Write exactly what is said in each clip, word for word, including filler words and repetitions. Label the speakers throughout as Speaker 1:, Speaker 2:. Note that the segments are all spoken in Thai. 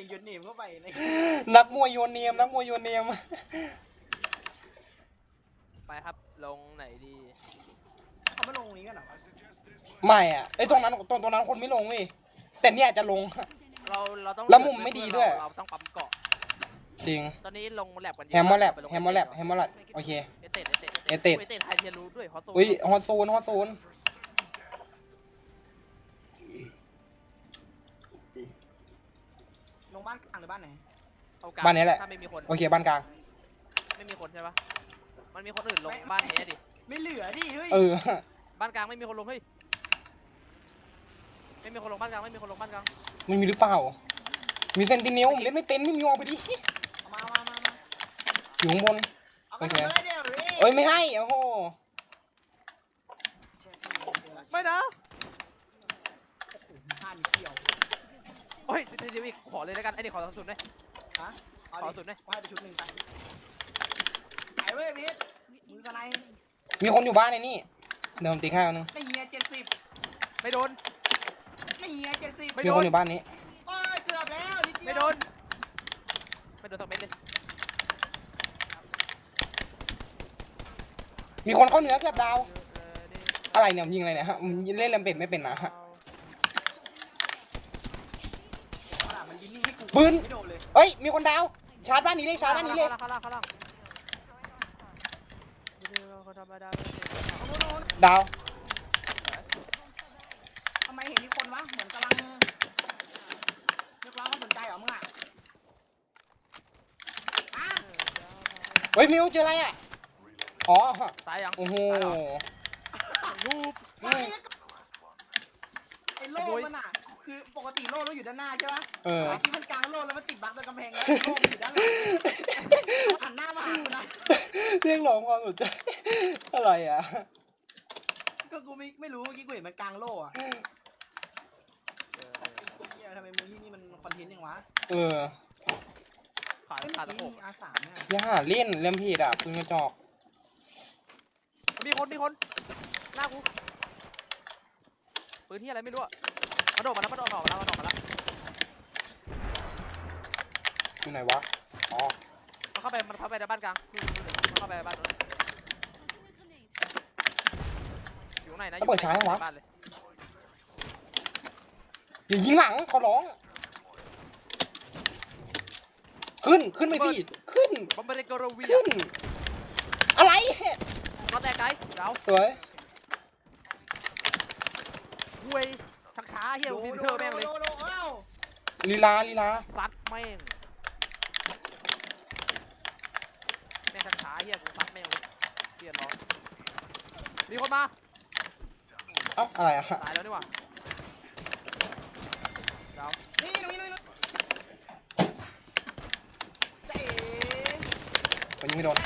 Speaker 1: โยนเนมเข้าไป
Speaker 2: นักมวยโยนเนียมนักมวยโยนเนียม
Speaker 3: ไปครับลงไหนดี
Speaker 1: เขาไม่ลงนี้กันหรอ
Speaker 2: ไม่อ่ะไอ้ตรงนั้นตรงตรงนั้นคนไม่ลงเว้ยแต่เนี่ยจะลง
Speaker 3: เราเราต้อง
Speaker 2: แล้วมุมไม่ดีด้วย
Speaker 3: เราต้องปั๊มเกาะ
Speaker 2: จริง
Speaker 3: ตอนนี้ลงแลบกัน
Speaker 2: แฮมเมอร์แลบแฮมเมอร์แลบแฮมเมอร์แลบโอเค
Speaker 3: เอเตดเอเตด
Speaker 2: เอเตด
Speaker 3: เอเตดไฮเทียนรู้ด้วยฮอตโซน
Speaker 2: อุ้ยฮอตโซนฮอตโซน
Speaker 1: ลงบ้านกลางหรือบ้านไหน
Speaker 2: บ้านนี้แหละ
Speaker 3: ถ้าไม่มีคน
Speaker 2: โอเคบ้านกลาง
Speaker 3: ไม่มีคนใช่ปะมันมีคนอื่นลงบ้านนี้ดิ
Speaker 1: ไม่เหลือดิเฮ้ย
Speaker 2: เออ
Speaker 3: บ้านกลางไม่มีคนลงเฮ้ยไม่มีคนลงบ้านกลางไม่มีคนลงบ้านกลาง
Speaker 2: ไม่มีหรือเปล่ามีเซนติเนลเล่นไม่เป็นไม่มีออกไปดิ
Speaker 1: มามามามา
Speaker 2: อยู่ข้างบน
Speaker 1: โอเค
Speaker 2: เอ้ยไม่ให้โอ้โห
Speaker 3: ไม่นะ
Speaker 1: ท่านเกี่ยว
Speaker 3: โอ้ยเดี๋ยวอีกขอเลยแล้วกันไอ้นี่ขอสุดเลย
Speaker 1: ฮะ
Speaker 3: ขอสุดเลย
Speaker 1: ให้ไปชุดหนึ่งไปไอ้เว้ยพีทมือสไลด์
Speaker 2: มีคนอยู่บ้านในนี่เดี๋ยวผมติ๊กให้เอาหนึ่ง
Speaker 1: ไม่เฮียเจ็ดสิบ
Speaker 3: ไม่โดน
Speaker 1: ไม่เฮียเจ็ดสิบ
Speaker 2: มีคนอยู่บ้านนี้
Speaker 1: โอ้ยเกือบแล้ว
Speaker 3: ไม่โดนไม่โดนสักเม็ดเลย
Speaker 2: มีคนเข้าเหนือเกือบดาวอะไรเนี่ยยิงอะไรเนี่ยฮะเล่นแลมเป็ดไม่เป็นนะฮะปืนเอ้ยมีคนดาวชาร์จบ้านนี้เลยชาร์จบ้านนี้เลยดาว
Speaker 1: ทำไมเห็นมีคนวะเหมือนกำลังเรียกร้องความสนใจเหรอมึงอ่ะ
Speaker 2: เฮ้ยมิวเจออะไรอ่ะอ๋อ
Speaker 3: ตายยัง
Speaker 2: โอ้โห
Speaker 3: รูป
Speaker 1: ไอ้โล่มันอ่ะคือปกติโล่มันอยู่ด้านหน้าใช่ปะ
Speaker 2: เออ
Speaker 1: ที่มันกลางโล่แล้วมันติดบั๊กตรงกำแพงแล้วโล่มันอยู่ด้านหลังหันหน้ามาหากูนะ
Speaker 2: เรียกร้องความสนใจอะไรอ่ะ
Speaker 1: ก็กูไม่ไม่รู้เมื่อกี้กูเห็นมันกลางโล่อะเนี่ยทำไมมึงที่นี่มันคอนเทนต์ยังวะ
Speaker 2: เออ
Speaker 3: ขาดขาดตะโขบ
Speaker 1: อาสามเนี่ย
Speaker 2: ย่าเล่นเล่มผิดอ่ะปืนกระจอก
Speaker 3: มีคนมีคนหน้ากูปืนที่อะไรไม่รู้อะมาโดดมาแล้วมาโดดออกมาแล้วมาโดดมาแล้ว
Speaker 2: อยู่ไหนวะอ๋อ
Speaker 3: มันเข้าไปมันเข้าไปในบ้านกลางมันเข้าไปในบ้านอยู่ไหนนะ
Speaker 2: เปิดช้าไหมวะ
Speaker 3: บ้านเลย
Speaker 2: อย่ายิงหลังเขาร้องขึ้นขึ้นไปสิขึ้น
Speaker 3: บอมเบอร์เกอร์วี
Speaker 2: ขึ้นอะไร
Speaker 3: ก็แต่ไกด์เดา
Speaker 2: สวย
Speaker 3: เว้ยชักช้าเฮียวินเทอร์แม่งเลย
Speaker 2: ลีลาลีลา
Speaker 3: ซัดแม่งแม่งชักช้าเฮียกูซัดแม่งเลยเฮียน้องมีคนมา
Speaker 2: เอ้าอะไรอ่ะ
Speaker 3: ตายแล้วนี่หว่าเดา
Speaker 1: นี่ตรงนี้ตรงนี้เจ๊
Speaker 2: ไปยิงไม่โดน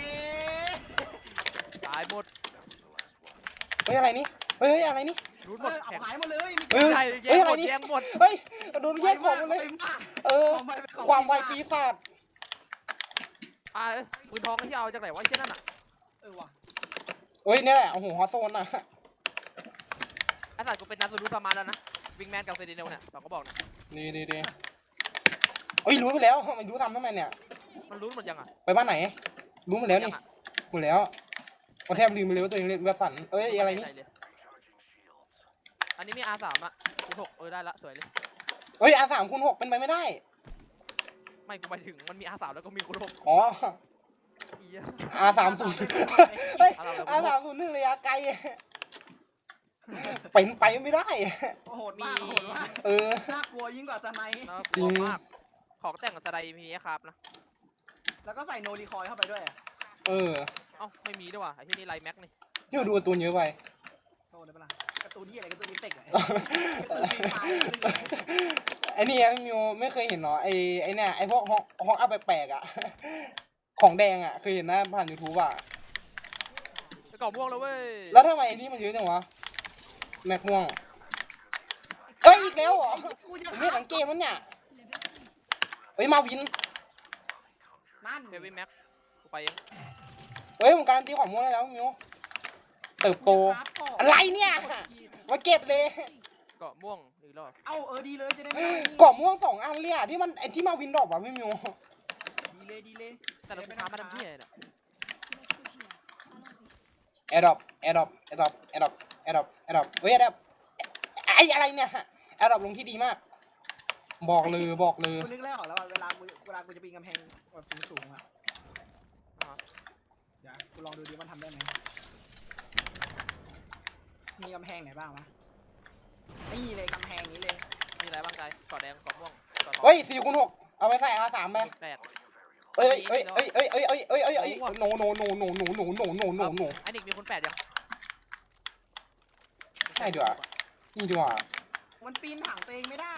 Speaker 3: ตายหมด
Speaker 2: เฮ้ยอะไรนี่เฮ้ยอะไรนี่
Speaker 3: รูดหมด
Speaker 1: หายหมดเลย
Speaker 2: เฮ้ยเฮ้ยอะไรนี่
Speaker 3: แย่งหมด
Speaker 2: เฮ้ยโดนแย่งของหมดเลยเออความไวปีศาจ
Speaker 3: อ่าปืนทองที่เอาจากไหนวะเช่นนั่นอ่ะ
Speaker 1: เออว่ะ
Speaker 2: เฮ้ยนี่แหละโอ้โหฮอตโซนอ่ะ
Speaker 3: ไอ้สัตว์กูเป็นนักสู้สมาร์ทแล้วนะวิงแมนกับเซดิเนลเนี่ยเราก็บอกนะ
Speaker 2: ดีดีดีเอ้ยรู้ไปแล้วมันรู้ทำทำไมเนี่ย
Speaker 3: มันรู้หมดยังอ่ะ
Speaker 2: ไปบ้านไหนรู้หมดแล้วนี่หมดแล้วเอาแทบลืมไปเลยว่าตัวเองเล่นเวอร์สันเอ้ยอะไรนี่
Speaker 3: อันนี้มี อาร์ สาม อ่ะคูณหกเออได้ละสวยเลย
Speaker 2: เอ้ย อาร์ สาม คูณหกเป็นไปไม่ได้
Speaker 3: ไม่กูหมายถึงมันมี อาร์ สาม แล้วก็มีคูณหก
Speaker 2: อ๋อ อาร์ สาม ศูนย์ เฮ้ย อาร์ สาม ศูนย์ หนึ่งระยะไกลเป็นไปไม่ได้
Speaker 1: โหดมากโหดมาก
Speaker 2: เออ
Speaker 1: น่ากลัวยิ่งกว่าสไนป์
Speaker 3: จริงมากของแต่งกับสไนป์มีครับนะ
Speaker 1: แล้วก็ใส่โนรีคอยเข้าไปด้วย
Speaker 2: เออ
Speaker 3: เอ้าไม่มีด้วยว่ะไอ้ที่นี่ไลแม็กนี่
Speaker 2: นี่ดูการ์ตูนเยอะไป
Speaker 1: โตได้ปะล่ะการ์ตูนที่อะไรการ์ตูนนี้เฟกอะ
Speaker 2: ไอ้นี่มิวไม่เคยเห็นเนาะไอ้ไอ้เนี่ยไอ้พวกห้องห้องอัพแปลกๆอ่ะของแดงอ่ะเคยเห็นนะผ่าน ยูทูบ อ่ะ
Speaker 3: ไปกรอบม่วงแล้วเว้ย
Speaker 2: แล้วทำไมไอ้นี่มันเยอะจังวะแม็กม่วงเอ้ยอีกแล้วเหรอไม่สังเกตมันเนี่ยเฮ้ยมาวิน
Speaker 1: นั่น
Speaker 3: เฮฟวี่แม็กกูไปเอง
Speaker 2: เฮ้ยผมการันตีของม่วงได้แล้วมิวเติบโตอะไรเนี่ยมาเก็บเลย
Speaker 3: เกาะม่วงอีกรอบ
Speaker 1: เอ้าเออดีเลยจะได้ไม่
Speaker 2: กรอบม่วงสองอันเลยอ่ะที่มันไอ้ที่มาวินดรอปอ่ะไม่มี
Speaker 1: ดีเลยดีเลย
Speaker 3: แต่เราไปทำมาทำที่ไหนเนี่ย
Speaker 2: แอร์ดรอปแอร์ดรอปแอร์ดรอปแอร์ดรอปแอร์ดรอปแอร์ดรอปเฮ้ยแอร์ดรอปไอ้อะไรเนี่ยแอร์ดรอปลงที่ดีมากบอกเลยบอกเลย
Speaker 1: กูนึกแล้วออกแล้วว่าเวลากูเวลากูจะปีนกำแพงแบบสูงๆอ่ะเดี๋ยวกูลองดูดิมันทำได้ไหมมีกำแพงไหนบ้างวะนี่เลยกำแพงนี้เลย
Speaker 3: มีอะไรบ้างใจกอดแดงกอดม่วงกอดทอง
Speaker 2: เฮ้ยสี่คูณหกเอาไปใส่อาสามไป
Speaker 3: แปด
Speaker 2: เอ้ยเอ้ยเอ้ยเอ้ยเอ้ยเอ้ยเอ้ยเอ้ยเอ้ยโนโนโนโนโนโนโนโนโนโน
Speaker 3: ไอ้นิกมีคนแปดยัง
Speaker 2: ใช่ดีกว่านี่ดีกว่า
Speaker 1: มันปีนถังตัวเองไม่ได้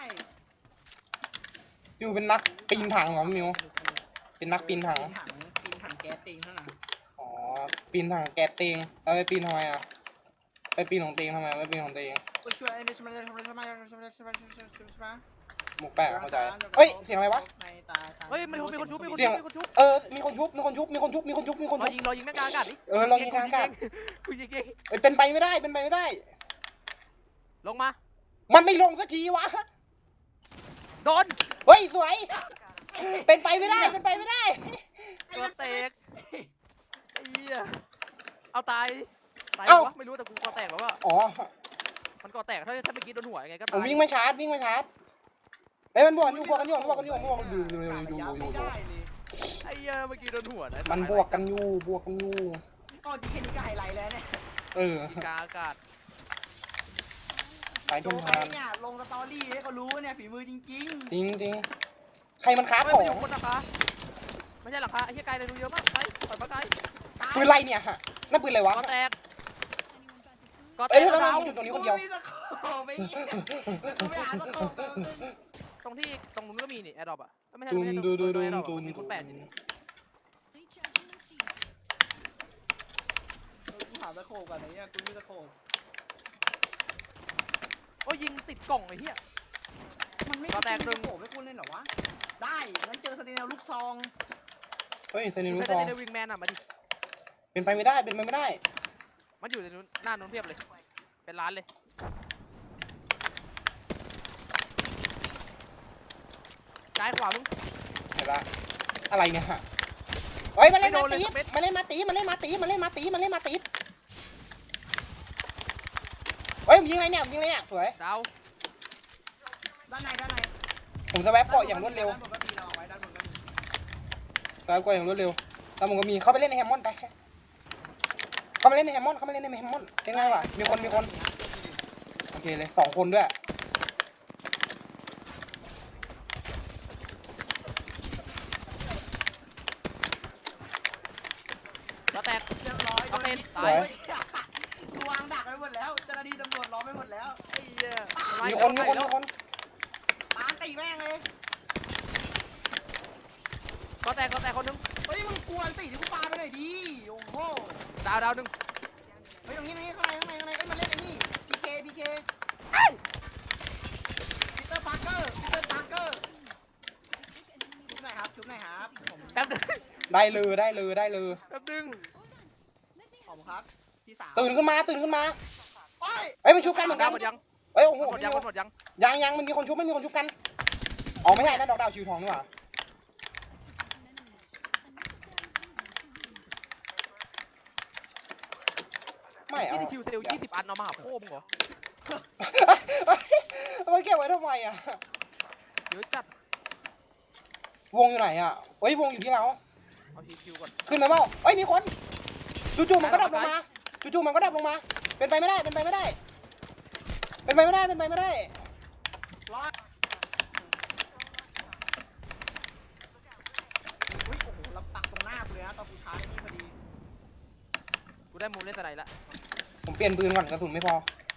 Speaker 2: มิวเป็นนักปีนถังเหรอมิวเป็นนักปีนถัง
Speaker 1: ปีนถังปีนถังแก๊สเองเท่านั้น
Speaker 2: อ๋อปีนถังแก๊สเตงแล้วไปปีนทำไมอ่ะไปปีนของเตงทำไมไม่ปีนของเตง
Speaker 1: ก็ช่วยไอ้นี่ช่วยช่วยช่วยช่วยช่วยช่วยช่วยช่วยช่วยช่วย
Speaker 2: หมกแปะเข้าใจเอ้ยเสียงอะไรวะ
Speaker 3: เฮ้ยมีคนมีคนชุบมีคน
Speaker 2: เสี
Speaker 3: ชุ
Speaker 2: ย
Speaker 3: บ
Speaker 2: ง
Speaker 3: มีคนชุบ
Speaker 2: เออมีคนชุบมีคนชุบมีคนชุบมีคนชุบมีคน
Speaker 3: รอ
Speaker 2: ชุบ
Speaker 3: ยิงรอยิงแม่งกลางอากาศดิ
Speaker 2: เออเรายิงทางอากาศ
Speaker 3: กูยิงเอง
Speaker 2: เอ้ยเป็นไปไม่ได้เป็นไปไม่ได้
Speaker 3: ลงมา
Speaker 2: มันไม่ลงสักทีวะ
Speaker 3: โดน
Speaker 2: เฮ้ยสวยเป็นไปไม่ได้เป็นไปไม่ได้
Speaker 3: ตัวแตกไอ้เหี้ยเอาตายตาย
Speaker 2: เอ้า
Speaker 3: วะไม่รู้แต่กูกอแตกแล้วว่า
Speaker 2: อ๋อ
Speaker 3: มันกอแตกถ้าถ้าเมื่อกี้โดนหัวยังไงก็
Speaker 2: ผ
Speaker 3: ตาม ย
Speaker 2: วิ่งมาชาร์จวิ่งมาชาร์จเฮ้ยมันบวกกันอยู่บวกกันอยู่บวกกันอยู่บวกกันอยู่อยู่อยู่อยู่อยู่อยู่
Speaker 3: ไอ้เหี้ยเมื่อกี้โดนหัวนะ
Speaker 2: มันบวกกันอยู่บวกกันอยู่
Speaker 1: ก็ดีแค่นี้ก็ไฮไลท์แล้วเนี่ย
Speaker 2: เออ
Speaker 3: กลางอากาศ
Speaker 2: สาย
Speaker 1: โจ
Speaker 2: ทุน
Speaker 1: ไป
Speaker 2: ทาน
Speaker 1: เนี่ยลงสตอรี่ให้เขารู้เนี่ยฝีมือจริง
Speaker 2: จริงจริงใครมันค้า
Speaker 3: เฮ้ย
Speaker 2: ขอ
Speaker 3: มันอยู่
Speaker 2: ง
Speaker 3: บนนะคะไม่ใช่หรอกคะไอ้เหี้ยไกลเลยดูเยอะมากไปปล่อยมาไกล
Speaker 1: ๆตาย
Speaker 2: ปืนไรเนี่ยฮะนั่นปืนอะไรวะ
Speaker 3: กอแตกกอแต
Speaker 2: เอ้ย
Speaker 3: ก
Speaker 2: แล้วทำไม
Speaker 3: ดาว
Speaker 2: มันอยู่ตรงนี้
Speaker 1: กู
Speaker 2: คนเดียว
Speaker 1: ไม่มีสโคปไปกูไม่หาสโคปกัน
Speaker 3: ตรงที่ตรงนู้นก็มีนี่แอร์ดรอปอ่ะไม่ใช่
Speaker 2: ตุ
Speaker 3: ไม่
Speaker 2: น
Speaker 3: ใช่
Speaker 2: ดูดูดู
Speaker 3: แอร์ดรอป
Speaker 2: ตุน
Speaker 3: มีคนแปดอยู่นี่
Speaker 1: กูหาสโคปกันไอ้เนี่ยกูมีสโคป
Speaker 3: โอ้ยยิงติดกล่องไอ้เหี้ย
Speaker 1: มันไม่
Speaker 3: ก็แตกหนึ่
Speaker 1: ส
Speaker 3: ง
Speaker 1: โคปให้กูเล่นเหรอวะได้งั้นเจอสเตนเนลลูกซอง
Speaker 2: เฮ้ยเซนิ
Speaker 3: กู
Speaker 2: นุ
Speaker 3: เคย
Speaker 2: ซอง
Speaker 3: ได้ในวิงแมนอ่ะมาดิ
Speaker 2: เป็นไปไม่ได้เป็นไปไม่ได้
Speaker 3: มันอยู่ในนู้นหน้านู้นเพียบเลยเป็นร้านเลยซ้ายขวามึง
Speaker 2: เห็นละอะไรเนี่ยฮะเฮ้ยมาเล่น
Speaker 3: ไม่โด
Speaker 2: มาน
Speaker 3: เลย
Speaker 2: ตี
Speaker 3: สักเม็ด
Speaker 2: มาเล่นมาตีมาเล่นมาตีมาเล่นมาตีมาเล่นมาตีเฮ้ยผมยิงอะไรเนี่ยผมยิงอะไรเนี่ยสวย
Speaker 3: ดาว
Speaker 1: ด้านในด้านใน
Speaker 2: ผมสแวปเกาะอย่างรวดเร็ว
Speaker 1: ด้านบนก็มีเราเอาไว้ด้านบนก็มี
Speaker 2: สแวปเกาะอย่างรวดเร็วแล้วผมก็มีเข้าไปเล่นในแฮมมอนไปเข้ามาเล่นในแฮมมอนเข้ามาเล่นในแฮมมอนเป็นไงวะมีคนมีคนโอเคเลยสองคนด้วย
Speaker 3: ก็แตก
Speaker 1: เรียบร้อย
Speaker 3: เอาเป็น
Speaker 1: ตายกูวางดักไว้หมดแล้วเจ้าหน้าที่ตำรวจล้อมไว้หมดแล้ว
Speaker 3: ไอ้เหี้ย
Speaker 2: มีคนมีคนมีคน
Speaker 1: ปาตีแม่งเลย
Speaker 3: ก็แตกก็แตกคนนึง
Speaker 1: เฮ้ยมึงกวนสิที่กูปาไปหน่อยดิโอ้โห
Speaker 3: ดาวดาวหนึ่ง
Speaker 1: เฮ้ยตรงนี้ตรงนี้ข้างในข้างในข้างในเอ้ยมาเล่นไอ้นี่พีเคพีเคปีเตอร์พาร์เกอร์ปีเตอร์พาร์เกอร์ชุบหน่อยครับชุบหน่อยครับผม
Speaker 3: แป๊บนึง
Speaker 2: ได้เลยได้เลยได้เลย
Speaker 3: แป๊บนึง
Speaker 1: ผมครับพี่สาว
Speaker 2: ตื่นขึ้นมาตื่นขึ้นมา
Speaker 1: โอ้ย
Speaker 2: เอ้ยมันชุบกันเหมือน
Speaker 3: ดา
Speaker 2: กั
Speaker 3: วน หมดยัง
Speaker 2: เอ้ยโอ้โห
Speaker 3: หมดยังหมดยัง
Speaker 2: ยังยังมันมีคนชุบมันมีคนชุบกันอ๋อไม่ใช่นั่นดอกดาวชิวทองนี่หว่าไม่
Speaker 3: ที่
Speaker 2: เอา
Speaker 3: นี่คิวเซลยี่สิบอันเอามาหาโค้มึงเหรอ
Speaker 2: เอาไว้เก็บไว้ทำไมอ่ะ
Speaker 3: เยอะจัด
Speaker 2: วงอยู่ไหนอ่ะเฮ้ยวงอยู่ที่เรา
Speaker 3: เอาทีคิวก่อน
Speaker 2: ขึ้นมาเปล่าเอ้ยมีคนจู่ๆมันก็ดับลงมาจู่ๆมันก็ดับลงมา เป็นไปไม่ได้เป็นไปไม่ได้ เป็นไปไม่ได้เป็นไปไม่ได้
Speaker 1: รอดอุ้ยโอ้โหเราปักตรงหน้ากูเลยนะตอนกูชาร์จไอ้นี่พอดี
Speaker 3: กูได้มุมเล่นสไนด์ละ
Speaker 2: ผมเปลี่ยนปืนก่อนกระสุนไม่พอ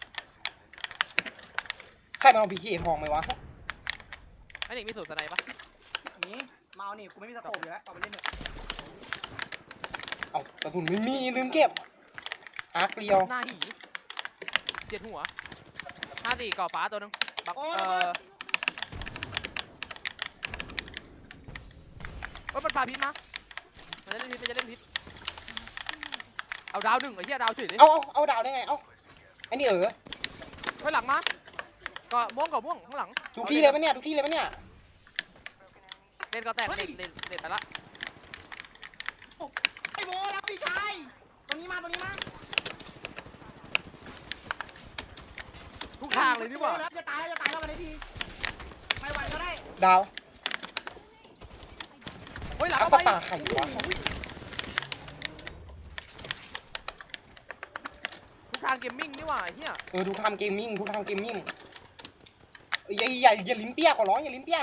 Speaker 2: ใครมันเอาพีเคทองไหมวะ
Speaker 3: ไอ้เด็กมีสูตรสไนด์ปะ
Speaker 1: นี่เมานี่กูไม่มีสโคปอยู่แล้วเอาไปเล่นเถอะ
Speaker 2: เอากระสุนไม่มีลืมเก็บอาร์คเดียว
Speaker 3: หน้าหีเจ็ดหัวห้าสี่ก่อฟ้าตัวนึงบัก
Speaker 1: โอ้
Speaker 3: เอย อเอ้ยมันพาพิษมามันจะเล่นพิษมันจะเล่นพิษเอาดาวหนึ่งไอ้เหี้ยดาวเฉยเลย
Speaker 2: เอาเอาเอาดาวได้ไงเอาไอ้นี่เออ
Speaker 3: ไปหลังมาก็ม่วงก็ม่วงข้างหลัง
Speaker 2: ทุกที่เลยปะเนี่ยทุกที่เลยปะเนี่ย
Speaker 3: เล่นก็แตกเล่นเล่นเล่นไปละ
Speaker 1: ไอ้โบรับพี่ชายตรงนี้มาตรงนี้มา
Speaker 3: ทุกทางเลยนี่หว่า
Speaker 1: แล้วจะตายแล้วจะตายแล้ววันนี้ทีไม่ไหวก็ได้
Speaker 2: ดาว
Speaker 3: เฮ้ยหลัง
Speaker 2: อั
Speaker 3: เอา
Speaker 2: ส
Speaker 3: ไป
Speaker 2: ตาไข่วะ
Speaker 3: ทุกทางเกมมิ่งนี่หว่าไอ้เฮีย
Speaker 2: เออทุกทำเกมมิ่งทุกทำเกมมิ่งอย่าอย่าอย่าลิ้นเปี้ยขอร้องอย่าลิ้นเปี้ย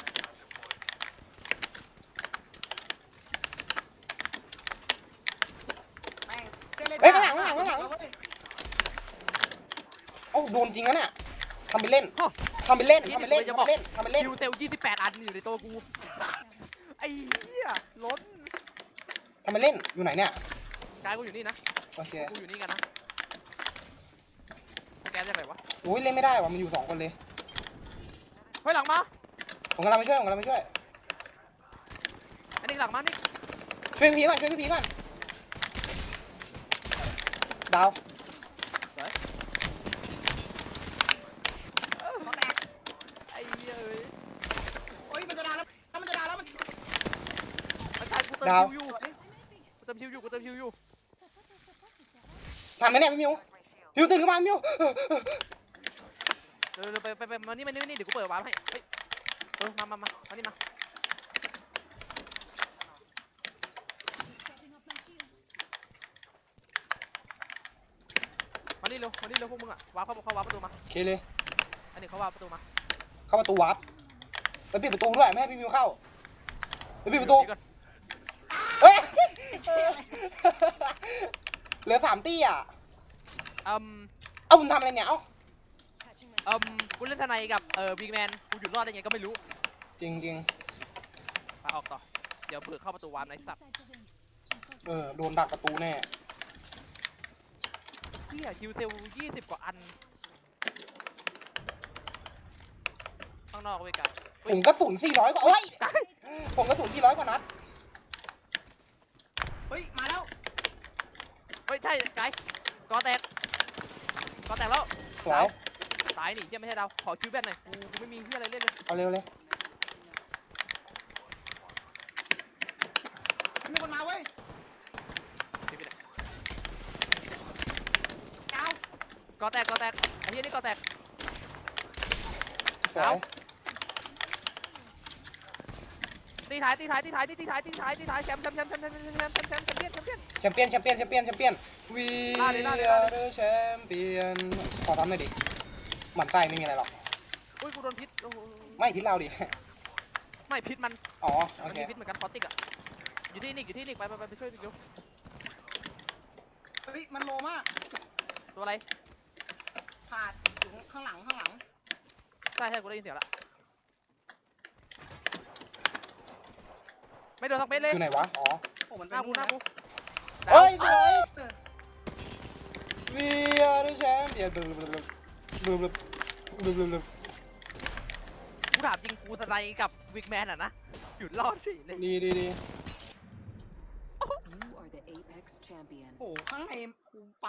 Speaker 1: แม่งเล่น
Speaker 2: เอ้ยข้างหลังข้างหลังข้างหลังเอ้าโดนจริงนะเนี่ยทำไปเล่นทำไปเล่นทำไปเล่นทำไปเล่นทำไปเล่น
Speaker 3: คิวเซลยี่สิบแปดอันอยู่ในตัวกูไอ้เหี้ยล้น
Speaker 2: ทำไปเล่นอยู่ไหนเนี่ย
Speaker 3: กายกูอยู่นี่นะ
Speaker 2: โอเค
Speaker 3: กูอยู่นี่กันนะแกจะไหนวะ
Speaker 2: โอ้ยเล่นไม่ได้ว่ะมันอยู่สองคนเลย
Speaker 3: เฮ้ยหลังมา
Speaker 2: ผมกำลังไปช่วยผมกำลังไปช่วย
Speaker 3: อันนี้หลังมานี่
Speaker 2: ช่วยพี่พีก่อนช่วยพี่พีก่อนดาว
Speaker 1: เขาแตก
Speaker 3: ไอ้เหี้ยเอ้ย
Speaker 1: โอ้ยมันจะดาแล้วมันจะดาแล้วมัน
Speaker 3: อาจารย์กูเติมคิวอยู่กูเติมคิวอยู่กูเติมคิวอยู่
Speaker 2: ทันไหมเนี่ยพี่มิวมิวตื่นขึ้นมามิว
Speaker 3: เร็วๆไปไปไปมานี่มานี่มานี่เดี๋ยวกูเปิดวาร์ปให้เฮ้ยเออมามามามานี่มามานี่เร็วมานี่เร็วพวกมึงอะวาร์ปเข้าเข้าวาร์ปประตูมา
Speaker 2: โอเคเลย
Speaker 3: อันนี้เขาวาร์ปประตูมา
Speaker 2: เข้าประตูวาร์ปไปปิดประตูด้วยไม่ให้พี่มิวเข้าไปปิดประตู
Speaker 3: ดีก่อน
Speaker 2: เฮ้ยเหลือสามตี้อ่ะ
Speaker 3: อืม
Speaker 2: เอ้าคุณทำอะไรเนี่ยเอ้า
Speaker 3: อืมกูเล่นทนายกับเอ่อบิ๊กแมนกูหยุดรอดได้ไงก็ไม่รู้
Speaker 2: จริงจริง
Speaker 3: ไปออกต่อเดี๋ยวเปิดเข้าประตูวาร์ปไอ้สัตว์
Speaker 2: เออโดนดักประตูแน่
Speaker 3: เฮียคิวเซลยี่สิบกว่าอันข้างนอกเว้ยกัน
Speaker 2: ผมกระสุนสี่ร้อยกว่าโอ้ยผมกระสุนสี่ร้อยกว่านัด
Speaker 1: เฮ้ยมาแล้ว
Speaker 3: เฮ้ยใช่ไกด์กอแตกกอแตกแล้ว
Speaker 2: สวย
Speaker 3: ตายนี่เฮียไม่ใช่ดาวขอคิวแบนหน่อยกูกูไม่มีเฮียอะไรเล่นเลย
Speaker 2: เอาเร็วเลย
Speaker 1: มีคนมาเว้ย
Speaker 3: คิวไปไหน
Speaker 1: ดาว
Speaker 3: กอแตกกอแตกไอ้เฮียนี่กอแตก
Speaker 2: สวย
Speaker 3: เอา ตีท้ายตีท้ายตีท้ายตีท้ายตีท้ายตีท้ายแชมป์แชมป์แชมป์แชมป์แชมป์แชมป์แชมป์แชมป์แชมป์แชมป์แชมป์แชมป์
Speaker 2: แชมเปี้ยนแชมเปี้ยนแชมเปี้ยนแชมเปี้ยน We
Speaker 3: ลาดเลยลาดเลย
Speaker 2: are
Speaker 3: ลาดเลย
Speaker 2: the champion ขอทำหน่อยดิหมั่นไส้ไม่มีอะไรหรอก
Speaker 3: อุ้ยกูโดนพิษโอ้โห
Speaker 2: ไม่พิษเราดิ
Speaker 3: ไม่พิษมัน
Speaker 2: อ๋อโอ
Speaker 3: มัน
Speaker 2: เค
Speaker 3: มีพิษเหมือนกันคอติกอะอยู่ที่นิกอยู่ที่นิกไปไปไปไปช่วยนิกอยู่
Speaker 1: เฮ้ยมันโลมาก
Speaker 3: ตัวอะไร
Speaker 1: ขาดอยู่ข้างหลังข้างหลัง
Speaker 3: ใช่ใช่กูได้ยินเสียงละไม่โดนสักเม็ดเลย
Speaker 2: อยู่ไหนวะ อ๋อ
Speaker 1: โอ้มัน
Speaker 3: ห
Speaker 1: เป็น
Speaker 3: น้ากูหน้ากู
Speaker 2: เฮ้ยสวย We are the champion บลูบลูบลูบลูบลูบลูบ
Speaker 3: กูถามจริงกูสไลด์กับวิกแมนอะนะหยุดรอดสิเลย
Speaker 2: ดีดีดี
Speaker 4: You are the Apex champion.
Speaker 1: โอ้ข้างในกู